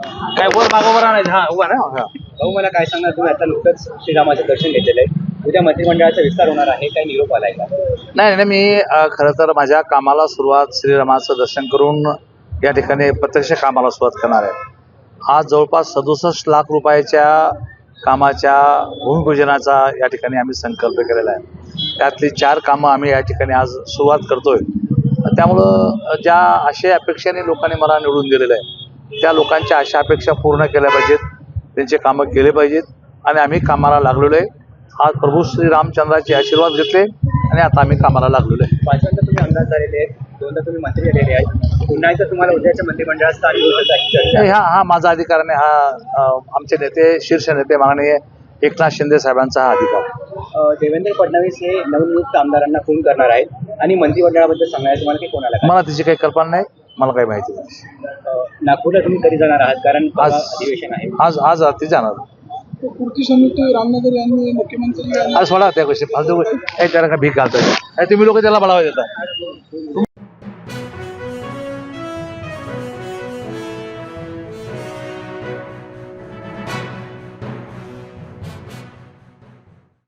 काय वर मागोवर आणायचं हा उभा ना हा. भाऊ मला काय सांगणार, तुम्ही आता नुकतंच श्रीरामाचं दर्शन घेतलेलं आहे, उद्या मंत्रिमंडळाचा विस्तार होणार आहे, काय निरोप आलाय का? नाही नाही, मी खरं तर माझ्या कामाला सुरुवात श्रीरामाचं दर्शन करून या ठिकाणी प्रत्यक्ष कामाला सुरुवात करणार आहे. आज जवळपास 67 लाख रुपयाच्या कामाच्या भूमिपूजनाचा या ठिकाणी आम्ही संकल्प केलेला आहे. त्यातली 4 कामं आम्ही या ठिकाणी आज सुरुवात करतोय. त्यामुळं ज्या आशय अपेक्षेने लोकांनी मला निवडून दिलेलं आहे त्या लोकांच्या आशा अपेक्षा पूर्ण केल्या पाहिजेत, त्यांचे कामं केले पाहिजेत आणि आम्ही कामाला लागलेलो आहे. आज प्रभू श्री रामचंद्राचे आशीर्वाद घेतले आणि आता आम्ही कामाला लागलेलो आहे. 5दा तुम्ही आमदार झालेले आहेत, 2दा तुम्ही मंत्री झालेले आहेत, पुन्हा एकदा तुम्हाला उद्याच्या मंत्रिमंडळात स्थान मिळण्याची चर्चा आहे. हा माझा अधिकार नाही, हा आमचे नेते शीर्ष नेते माननीय एकनाथ शिंदे साहेबांचा हा अधिकार. देवेंद्र फडणवीस हे नवनियुक्त आमदारांना फोन करणार आहेत आणि मंत्रिमंडळाबद्दल सांगायचं तुम्हाला की कोणाला काय? मला त्याची काही कल्पना नाही, मला काही माहिती नाही. नागपूरला तुम्ही कधी जाणार आहात, कारण आज अधिवेशन आहे? आज रात्री जाणार. कृती समिती रामनगर यांनी मुख्यमंत्री आज सोडा त्या गोष्टी फालतू गोष्टी त्याला भीक घालतोय तुम्ही लोक त्याला बळावा देता.